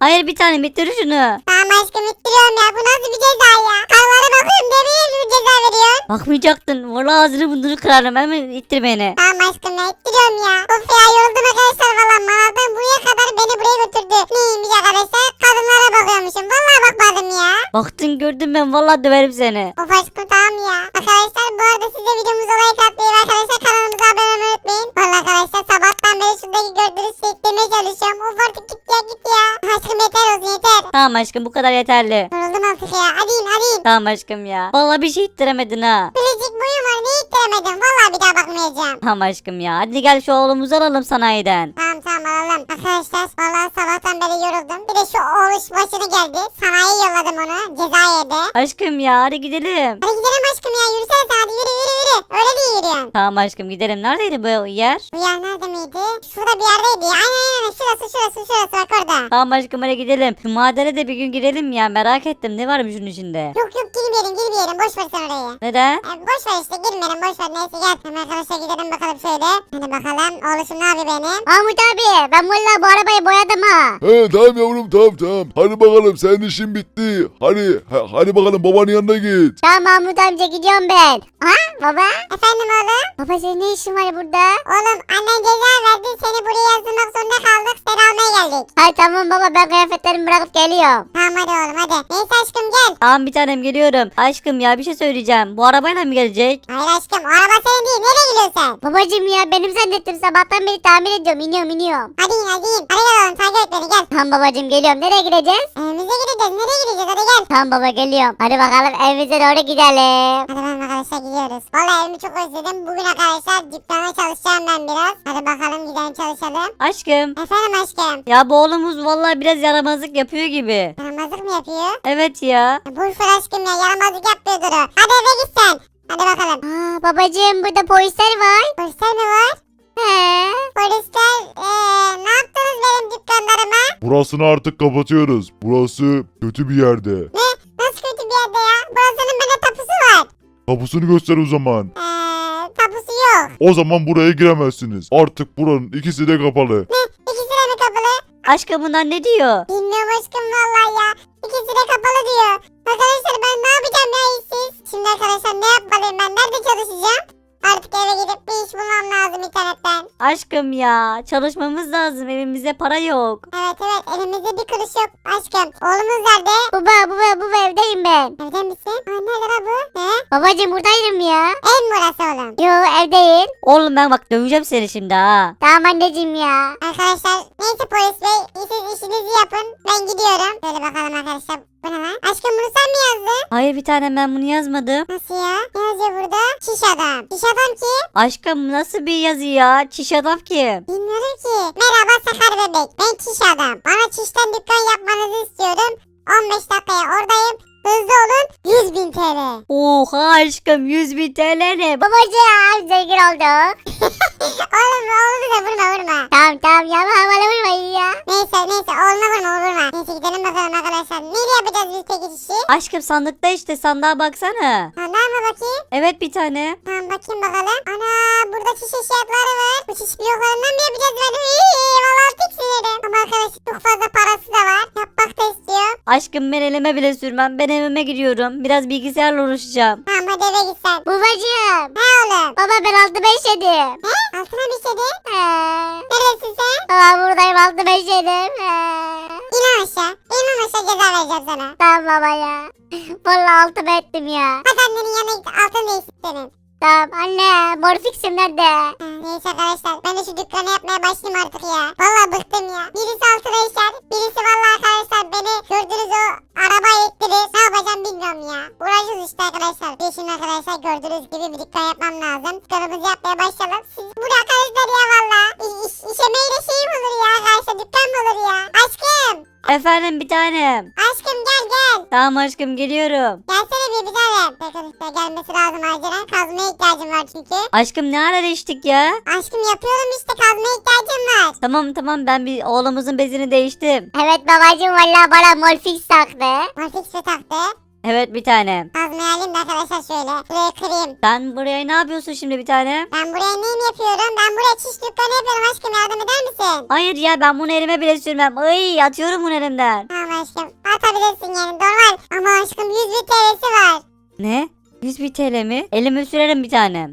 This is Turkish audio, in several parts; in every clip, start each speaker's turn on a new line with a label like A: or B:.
A: Hayır bir tane bitir şunu.
B: Tamam aşkım ittiriyorum ya. Bu nasıl bir ceza ya? Karlara bakıyorum demeye mi ceza veriyorsun?
A: Bakmayacaktın. Vallahi ağzını burnunu kırarım. Hemen ittir beni.
B: Tamam aşkım ya ittiriyorum ya. Of ya yoruldum arkadaşlar valla. Manavdan buraya kadar beni buraya götürdü. Neymiş arkadaşlar? Kadınlara bakıyormuşum. Valla bakmadım ya.
A: Baktın gördüm ben. Vallahi döverim seni.
B: Of aşkım tamam ya. Arkadaşlar bu arada siz de videomuza like atmayı ve arkadaşlar kanalımıza abone olmayı unutmayın. Valla arkadaşlar sabahtan beri şuradaki gördüğünüz şey demeye çalışıyorum. Of artık git ya git ya. Aşkım yeter olsun yeter.
A: Tamam aşkım bu kadar yeterli.
B: Yoruldum artık ya. Hadi in hadi in.
A: Tamam aşkım ya. Vallahi bir şey ittiremedin ha.
B: Bilecik boyum var. Ne ittiremedim. Valla bir daha bakmayacağım.
A: Tamam aşkım ya. Hadi gel şu oğlumuzu alalım sanayiden.
B: Tamam tamam alalım. Arkadaşlar valla sabahtan beri yoruldum. Bir de şu oğluş başına geldi. Sanayiye yolladım onu. Ceza yedi.
A: Aşkım ya hadi gidelim.
B: Hadi gidelim aşkım ya. Yürüsene sen hadi yürü yürü yürü. Öyle değil yürüyorsun.
A: Tamam aşkım gidelim. Neredeydi bu yer?
B: Bu yer nerede miydi? Şurada bir yerdeydi. Aynen şurası bak orada.
A: Tamam aşkım hadi gidelim. Şu madene de bir gün girelim ya. Merak ettim. Ne varmış şunun içinde?
B: Yok girmeyelim boş ver sen orayı.
A: Neden?
B: Boş ver işte girmeyelim boş ver neyse gel. Hemen arkadaşlar gidelim bakalım şöyle. Hadi bakalım oğluşum ne yapıyor benim?
C: Mahmut abi ben valla bu arabayı boyadım ha.
D: He tamam yavrum tamam. Hadi bakalım senin işin bitti. Hadi bakalım babanın yanına git.
C: Tamam Mahmut amca gidiyorum ben. Ha baba?
B: Efendim oğlum?
C: Baba senin ne işin var burada?
B: Oğlum annen ceza verdi seni buraya yazdırmak zorunda kaldık. Seni almaya geldik.
C: Hay tamam baba ben kıyafetlerimi bırakıp geliyorum.
B: Tamam hadi oğlum hadi. Neyse aşkım gel.
A: Tamam bir tanem geliyorum. Aşkım ya bir şey söyleyeceğim. Bu arabayla mı gelecek?
B: Hayır aşkım o araba senin değil. Nereye gidiyorsun sen?
C: Babacım ya benim zannettim sabahtan beri tamir ediyorum iniyorum.
B: Hadi in hadi in. Hadi gel oğlum takip et beni gel.
C: Tamam babacım geliyorum nereye gideceğiz?
B: Evimize gideceğiz. Nereye gideceğiz hadi gel.
C: Tamam baba geliyorum. Hadi bakalım evimize doğru gidelim.
B: Hadi ben arkadaşlar gidiyoruz. Vallahi evimi çok özledim. Bugün arkadaşlar dükkana çalışacağım ben biraz. Hadi bakalım gidelim çalışalım.
A: Aşkım.
B: Efendim aşkım.
A: Ya bu oğlumuz vallahi biraz yaramazlık yapıyor gibi.
B: Yaramazlık mı yapıyor?
A: Evet ya.
B: Boş ver aşkım ya yaramazlık yapmıyordur o. Hadi eve git sen. Hadi bakalım.
C: Aa babacım burada polisler var.
B: Polisler mi var?
C: He.
B: Polisler ne yaptınız benim dükkanlarıma?
D: Burasını artık kapatıyoruz. Burası kötü bir yerde.
B: Ne? Nasıl kötü bir yerde ya? Burasının bende tapusu var.
D: Kapısını göster o zaman.
B: Tapusu yok.
D: O zaman buraya giremezsiniz. Artık buranın ikisi de kapalı.
B: Ne? İkisi de mi kapalı?
A: Aşkım bunlar ne diyor?
B: Bilmiyorum aşkım vallahi ya. İkisi de kapalı diyor. Arkadaşlar ben ne yapacağım ya işsiz? Şimdi arkadaşlar ne yapmalıyım ben? Nerede çalışacağım? Artık eve gidip bir iş bulmam lazım internetten.
A: Aşkım ya çalışmamız lazım. Evimizde para yok.
B: Evet elimizde bir kuruş yok aşkım. Oğlumuz nerede?
C: Baba evdeyim ben.
B: Evde misin? Nerede la bu? He?
C: Babacım buradayım ya.
B: Ev mi burası oğlum?
C: Yo ev değil.
A: Oğlum ben bak döveceğim seni şimdi ha.
C: Tamam anneciğim ya.
B: Arkadaşlar neyse polis bey siz işinizi yapın. Ben gidiyorum. Şöyle bakalım arkadaşlar. Bu ne lan? Aşkım bunu sen mi yazdın?
A: Hayır bir tanem ben bunu yazmadım.
B: Nasıl ya? Ne yazıyor burada? Şiş adam. Şiş adam kim?
A: Aşkım nasıl bir yazı ya? Çiş adam kim?
B: Bilmiyorum ki. Merhaba Sakar bebek. Ben çiş adam. Bana çişten dükkan yapmanızı istiyorum. 15 dakikaya oradayım. Hızlı olun. 100.000 TL.
A: Oha aşkım 100.000 TL ne?
C: Babacım zengin olduk.
B: Oğlum da vurma.
C: Tamam ya bana vurmayın ya.
B: Neyse oğluna vurma. Neyse gidelim bakalım arkadaşlar. Neyle yapacağız biz peki işi?
A: Aşkım sandıkta işte sandığa baksana.
B: Sandığa mı bakayım?
A: Evet bir tane.
B: Tamam bakayım bakalım. Ana burada çiş eşyaları var. Bu çiş bloklarından mı yapacağız ben? Valla tiksinirim. Ama arkadaşlar çok fazla parası da var. Yapmak da istiyor.
A: Aşkım ben elime bile sürmem. Ben evime gidiyorum. Biraz bilgisayarla uğraşacağım.
B: Tamam hadi eve git sen.
C: Babacım.
B: He oğlum.
C: Baba ben 6-5 yedim.
B: He? Altına bir şey de.
C: He.
B: Neresin sen?
C: Baba buradayım 6-5 yedim. He.
B: İn aşağı. İn aşağı ceza vereceğim sana.
C: Tamam baba ya. Vallahi altımı ettim ya.
B: Hadi annenin yanına git. Altın değiştir senin.
C: Tamam anne morfiksim nerede?
B: Neyse arkadaşlar ben de şu dükkanı yapmaya başlayayım artık ya. Vallahi bıktım ya. Birisi altına işer. Birisi vallahi arkadaşlar beni gördüğünüz o araba ettirir. Ne yapacağım bilmiyorum ya. Uğraşıyoruz işte arkadaşlar. Bir şimdi arkadaşlar gördüğünüz gibi bir dükkan yapmam lazım. Dükkanımızı yapmaya başlayalım. Siz bu arkadaşlar ya valla. İşemeyle şey mi olur ya arkadaşlar dükkan mı olur ya. Aşkım.
A: Efendim bir tanem.
B: Aşkım gel.
A: Tamam aşkım geliyorum.
B: Gelsene bir tanem. Arkadaşlar gelmesi lazım acilen. Kazmaya ihtiyacım var çünkü.
A: Aşkım ne ara içtik ya?
B: Aşkım yapıyorum işte kazmaya ihtiyacım var.
A: Tamam ben bir oğlumuzun bezini değiştim.
C: Evet babacım vallahi bana morfix taktı.
B: Morfix mi taktı?
A: Evet bir tanem.
B: Kazmayı alayım da arkadaşlar şöyle. Burayı kırayım.
A: Sen buraya ne yapıyorsun şimdi bir tanem?
B: Ben buraya neyim yapıyorum? Ben buraya çiş dükkanı yapıyorum aşkım, yardım eder misin?
A: Hayır ya ben bunu elime bile sürmem. Ay atıyorum bunu elimden.
B: Tamam aşkım. Atabilirsin yani, normal. Ama aşkım 100 bin TL'si var.
A: Ne? 100 bin TL mi? Elime sürerim bir tanem.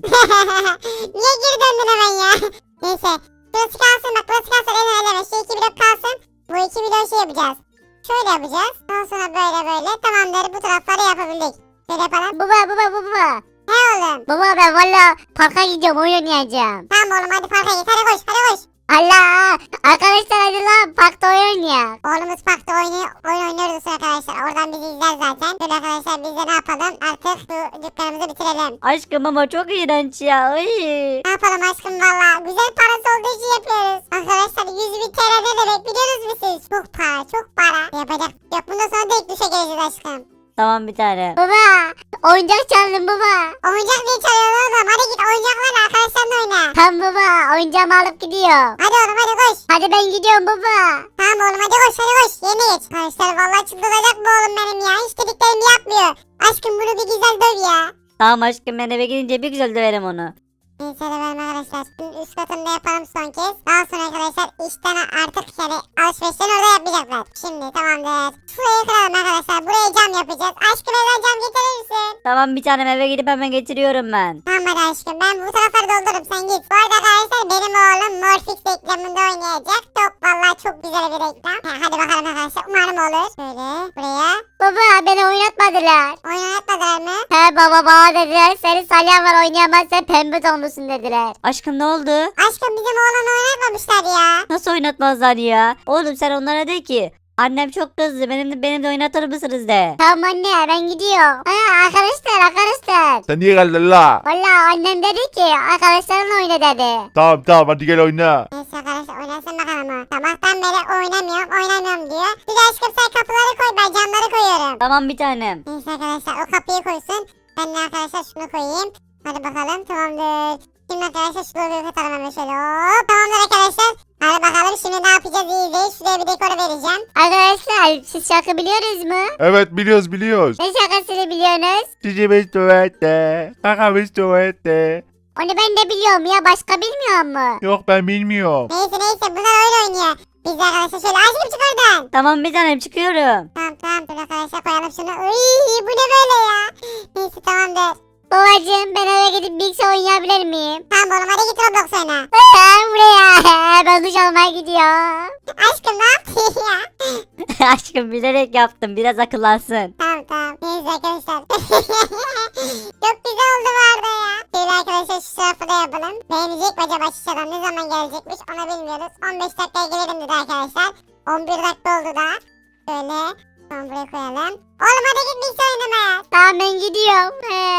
B: Niye geri döndün hemen ya? Neyse. Burası kalsın bak, burası kalsın, eleme. Şu 2 blok kalsın. Bu 2 blok şey yapacağız. Şöyle yapacağız. Daha sonra böyle. Tamamdır, bu tarafları yapabildik. Şöyle yapalım.
C: Baba.
B: He oğlum.
C: Baba ben valla parka gidiyorum oyun oynayacağım.
B: Tamam oğlum, hadi parka git. Hadi koş.
C: Allah! Arkadaşlar hadi lan parkta oyun oynayalım.
B: Oğlumuz parkta oyun oynuyoruz arkadaşlar. Oradan bizi izler zaten. Böyle arkadaşlar biz de ne yapalım? Artık bu dükkanımızı bitirelim.
A: Aşkım ama çok iğrenç ya. Ay.
B: Ne yapalım aşkım valla? Güzel parası olduğu için yapıyoruz. Arkadaşlar 100 bin TL ne demek biliyoruz mu siz? Çok para. Yapacak yok. Bundan sonra da ilk düşe geleceğiz aşkım.
A: Tamam bir tane.
C: Baba oyuncak çaldım baba.
B: Oyuncak diye çalıyorsun oğlum. Hadi git oyuncaklarla arkadaşlarla oyna.
C: Tamam baba oyuncağımı alıp gidiyorum.
B: Hadi oğlum hadi koş.
C: Hadi ben gidiyorum baba.
B: Tamam oğlum hadi koş. Yerine geç. Arkadaşlar valla çıldıracak bu oğlum benim ya. Hiç dediklerimi yapmıyor. Aşkım bunu bir güzel döv ya.
A: Tamam aşkım ben eve gidince bir güzel döverim onu.
B: Neyse de benim arkadaşlar. Şimdi üst katında yapalım son kez. Daha sonra arkadaşlar işten artık yani alışverişlerini orada yapmayacaklar. Şimdi tamamdır. Şurayı kıralım arkadaşlar. Buraya cam yapacağız. Aşkım evden cam getirir misin?
A: Tamam bir tanem eve gidip hemen getiriyorum ben.
B: Tamam hadi aşkım. Ben bu tarafları doldururum. Sen git. Bu arada arkadaşlar benim oğlum Morfix reklamında oynayacak. Çok vallahi çok güzel bir reklam. Hadi bakalım arkadaşlar. Umarım olur. Şöyle buraya.
C: Baba beni oynatmadılar.
B: Oyun oynatmadılar mı?
C: He baba bana dediler senin salyan var oynayamazsan pembe donlusun dediler.
A: Aşkım ne oldu?
B: Aşkım bizim oğlanı oynatmamışlar ya.
A: Nasıl oynatmazlar ya? Oğlum sen onlara de ki. Annem çok kızdı. Benim de oynatır mısınız de.
C: Tamam anne ben gidiyorum. Ha arkadaşlar.
D: Sen niye geldin la?
C: Valla annem dedi ki arkadaşlarınla oyna dedi.
D: Tamam hadi gel oyna.
B: Neyse arkadaşlar oynasın bakalım o. Sabahtan beri oynamıyorum diyor. Bir de aşkım sen kapıları koy, ben camları koyuyorum.
A: Tamam bir tanem.
B: Neyse arkadaşlar o kapıyı koysun. Ben de arkadaşlar şunu koyayım. Hadi bakalım tamamdır. Şimdi arkadaşlar şuraya katalım hemen şöyle. Hop tamamdır arkadaşlar. Hadi bakalım şimdi ne yapacağız, iyi izleyin. Şuraya bir dekor vereceğim.
C: Arkadaşlar siz şarkı biliyoruz mu?
D: Evet biliyoruz.
C: Ne şarkısını biliyorsunuz?
D: Cicimiz tuvalette. Kakamız tuvalette.
C: Onu ben de biliyorum ya başka bilmiyor mu?
D: Yok ben bilmiyorum.
B: Neyse bunlar oyun oynuyor. Biz de arkadaşlar şöyle aşkım çık oradan.
A: Tamam bir tanem çıkıyorum.
B: Tamam dur arkadaşlar koyalım şunu. Uy bu ne böyle ya. Neyse tamamdır.
C: Babacım ben eve gidip bilgisayar oynayabilir miyim?
B: Tamam oğlum hadi git Roblox oyna.
C: Buraya ben duş almaya gidiyorum.
B: Aşkım ne yaptın ya?
A: Aşkım bilerek yaptım. Biraz akıllansın.
B: Tamam. Neyse arkadaşlar. Çok güzel oldu bu arada ya. Şöyle arkadaşlar şu tarafı da yapalım. Beğenecek mi acaba şişeden, ne zaman gelecekmiş onu bilmiyoruz. 15 dakikaya gelelim dedi arkadaşlar. 11 dakika oldu da. Şöyle. Tamam buraya koyalım. Oğlum hadi git bilgisayar oynamaya.
C: Tamam ben gidiyorum.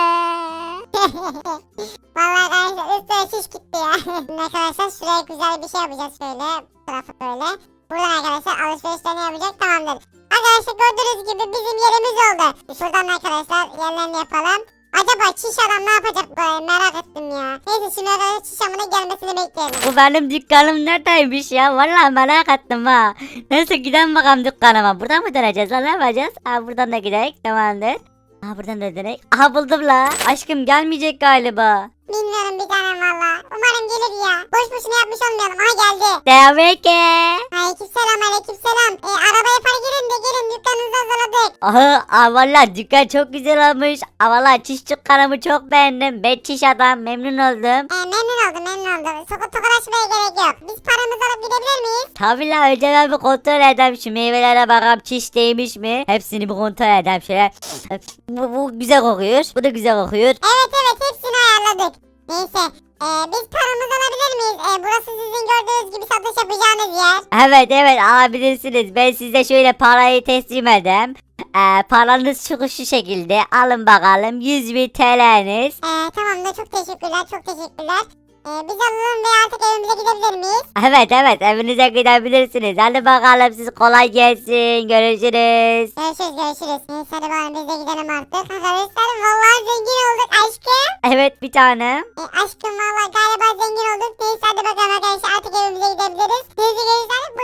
B: Vallahi arkadaşlar üstüne şiş gitti ya. Şimdi arkadaşlar şuraya güzel bir şey yapacağız şöyle. Bu tarafı böyle. Buradan arkadaşlar alışverişlerini yapacak, tamamdır. Arkadaşlar gördüğünüz gibi bizim yerimiz oldu. Şuradan arkadaşlar yerlerini yapalım. Acaba çiş adam ne yapacak böyle, merak ettim ya. Neyse şimdi arkadaşlar çiş adamının gelmesini bekleyelim.
A: Bu benim dükkanım neredeymiş ya? Vallahi merak ettim ha. Neyse gidelim bakalım dükkanıma. Buradan mı döneceğiz lan, ne yapacağız? Buradan da gidelim. Tamamdır. Buradan da dönelim. Bululdum la. Aşkım gelmeyecek galiba.
B: Bilmiyorum bir tanem valla. Umarım gelir ya. Boş boşuna yapmış olmayalım. Geldi.
A: Demek ki.
B: Aleykümselam. Arabaya park edin de gelin, dükkanınızı hazırladık.
A: Valla dükkan çok güzel olmuş. Valla çiş dükkanımı çok beğendim. Ben çiş adam, memnun oldum.
B: Memnun oldum. Tokalaşmaya gerek yok. Biz paramızı alıp gidebilir miyiz?
A: Tabii la, önce ben bir kontrol edeyim şu meyvelere, bakalım çiş değmiş mi? Hepsini bir kontrol edeyim şöyle. Bu güzel kokuyor. Bu da güzel kokuyor.
B: Evet hepsini ayarladık. Neyse biz paramızı alabilir miyiz? Burası sizin gördüğünüz gibi satış yapacağınız yer.
A: Evet alabilirsiniz. Ben size şöyle parayı teslim edeyim. Paranız şu şekilde. Alın bakalım 100.000 TL'niz.
B: Tamamdır, çok teşekkürler. Biz alalım ve artık evimize gidebilir miyiz?
A: Evet evinize gidebilirsiniz. Hadi bakalım siz, kolay gelsin. Görüşürüz.
B: Görüşürüz. Neyse hadi bakalım biz de gidelim artık. Arkadaşlar vallahi zengin olduk aşkım.
A: Evet bir tane.
B: Aşkım vallahi galiba zengin olduk. Neyse hadi bakalım arkadaşlar artık evimize gidebiliriz. Neyse gençler